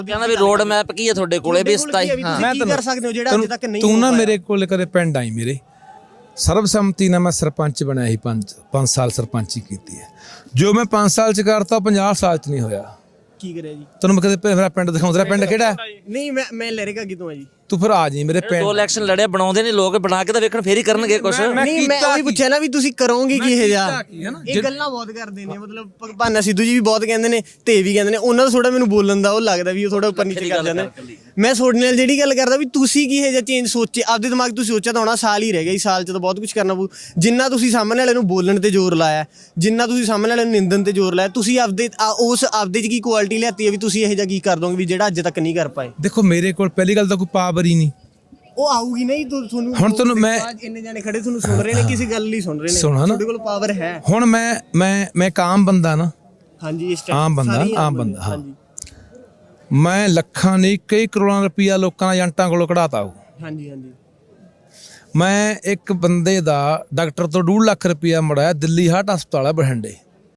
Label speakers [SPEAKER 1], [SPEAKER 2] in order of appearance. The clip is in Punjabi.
[SPEAKER 1] ਕਹਿੰਦਾ ਵੀ ਰੋਡ ਮੈਪ ਕੀ ਹੈ ਤੁਹਾਡੇ ਕੋਲੇ ਵੀ 27
[SPEAKER 2] ਮੈਂ ਕੀ ਕਰ ਸਕਦੇ ਹੋ ਜਿਹੜਾ ਅੱਜ ਤੱਕ ਨਹੀਂ
[SPEAKER 3] ਤੂੰ ਨਾ ਮੇਰੇ ਕੋਲ ਕਦੇ ਪਿੰਡ ਆਈ ਮੇਰੇ ਸਰਬਸੰਮਤੀ ਨਾਲ ਮੈਂ ਸਰਪੰਚ ਬਣਿਆ ਸੀ 5 ਸਾਲ ਸਰਪੰਚੀ ਕੀਤੀ ਹੈ ਜੋ ਮੈਂ 5 ਸਾਲ ਚ ਕਰਤਾ 50 ਸਾਲ ਚ ਨਹੀਂ ਹੋਇਆ
[SPEAKER 2] ਕੀ ਕਰਿਆ ਜੀ
[SPEAKER 3] ਤੈਨੂੰ ਮੈਂ ਕਦੇ ਮੇਰਾ ਪਿੰਡ ਦਿਖਾਉਂਦਾ ਪਿੰਡ ਕਿਹੜਾ
[SPEAKER 2] ਨਹੀਂ ਮੈਂ ਲਹਿਰੇਗਾ ਕਿਤੋਂ ਆ ਜੀ
[SPEAKER 3] ਤੂੰ ਫਿਰ ਆ ਜੀ ਮੇਰੇ ਪਿੰਡ
[SPEAKER 1] 2 ਇਲੈਕਸ਼ਨ ਲੜਿਆ ਬਣਾਉਂਦੇ ਨੇ ਲੋਕ ਬਣਾ ਕੇ ਤਾਂ ਵੇਖਣ ਫੇਰ ਹੀ ਕਰਨਗੇ ਕੁਛ
[SPEAKER 2] ਨਹੀਂ ਮੈਂ ਉਹੀ ਪੁੱਛਿਆ ਨਾ ਵੀ ਤੁਸੀਂ ਕਰੋਗੇ ਕੀ ਇਹ ਜਾ ਇਹ ਗੱਲਾਂ ਬਹੁਤ ਕਰਦੇ ਨੇ ਮਤਲਬ ਭਾਨਾ ਸਿੱਧੂ ਜੀ ਵੀ ਬਹੁਤ ਕਹਿੰਦੇ ਨੇ ਤੇ ਵੀ ਕਹਿੰਦੇ ਨੇ ਉਹਨਾਂ ਦਾ ਥੋੜਾ ਮੈਨੂੰ ਬੋਲਣ ਦਾ ਉਹ ਲੱਗਦਾ ਵੀ ਉਹ ਥੋੜਾ ਉੱਪਰ ਨੀਚੇ ਕਰ ਜਾਂਦੇ ਨੇ ਮੈਂ ਤੁਹਾਡੇ ਨਾਲ ਜਿਹੜੀ ਗੱਲ ਕਰਦਾ ਵੀ ਤੁਸੀਂ ਕੀ ਇਹ ਜਿਹਾ ਚੇਂਜ ਸੋਚੇ ਆਪਦੇ ਦਿਮਾਗ ਤੁਸੀਂ ਸੋਚਿਆ ਤਾਂ ਹੋਣਾ ਸਾਲ ਹੀ ਰਹਿ ਗਿਆ ਸਾਲ 'ਚ ਤਾਂ ਬਹੁਤ ਕੁਝ ਕਰਨਾ ਪਊ ਜਿੰਨਾ ਤੁਸੀਂ ਸਾਹਮਣੇ ਵਾਲੇ ਨੂੰ ਬੋਲਣ ਤੇ ਜ਼ੋਰ ਲਾਇਆ ਜਿੰਨਾ ਤੁਸੀਂ ਸਾਹਮਣੇ ਵਾਲੇ ਨੂੰ ਨਿੰਦਣ ਤੇ ਜ਼ੋਰ ਲਾਇਆ ਤੁਸੀਂ ਆਪਦੇ ਉਸ ਆਪਦੇ 'ਚ ਕੀ ਕੁਆਲਿਟੀ ਲਿਆਤੀ ਹੈ ਵੀ ਤੁਸੀਂ ਇਹ ਜਿਹਾ ਕੀ ਕਰ ਦੋਗੇ ਵੀ ਜਿਹੜਾ ਅੱਜ ਤੱਕ ਨਹੀਂ ਕਰ ਪਾਏ
[SPEAKER 3] ਦੇਖੋ ਮੇਰੇ ਕੋਲ ਪਹਿਲੀ ਗੱਲ ਤਾਂ ਕੋਈ ਪਾਵਰ ਹੀ ਨਹੀਂ
[SPEAKER 2] ਉਹ ਆਊਗੀ ਨਹੀਂ ਤੁਹਾਨੂੰ
[SPEAKER 3] ਹੁਣ ਤੁਹਾਨੂੰ ਮੈਂ
[SPEAKER 2] ਇੰਨੇ ਜਾਣੇ ਖੜੇ ਤੁਹਾਨੂੰ ਸੁਣ ਰਹੇ ਨੇ ਕਿਸੇ ਗੱਲ ਲਈ ਸੁਣ ਰਹੇ ਨੇ ਤੁਹਾਡੇ ਕੋਲ ਪਾਵਰ ਹੈ
[SPEAKER 3] ਹੁਣ ਮੈਂ ਇੱਕ ਆਮ ਬੰਦਾ ਨਾ
[SPEAKER 2] ਹਾਂਜੀ
[SPEAKER 3] ਆਮ ਬੰਦਾ ਹਾਂ ਮੈਂ ਲੱਖਾਂ ਨਹੀਂ ਕਈ ਕਰੋੜਾਂ ਰੁਪਈਆ ਲੋਕਾਂ ਏਜੰਟਾਂ ਕੋਲੋਂ ਕਢਾਤਾ ਹੋ
[SPEAKER 2] ਹਾਂਜੀ
[SPEAKER 3] ਮੈਂ ਇੱਕ ਬੰਦੇ ਦਾ ਡਾਕਟਰ ਤੋਂ 2.5 ਲੱਖ ਰੁਪਈਆ ਮੜਾਇਆ ਦਿੱਲੀ ਹਾਰਟ ਹਸਪਤਾਲ ਹੈ ਬਠਿੰਡੇ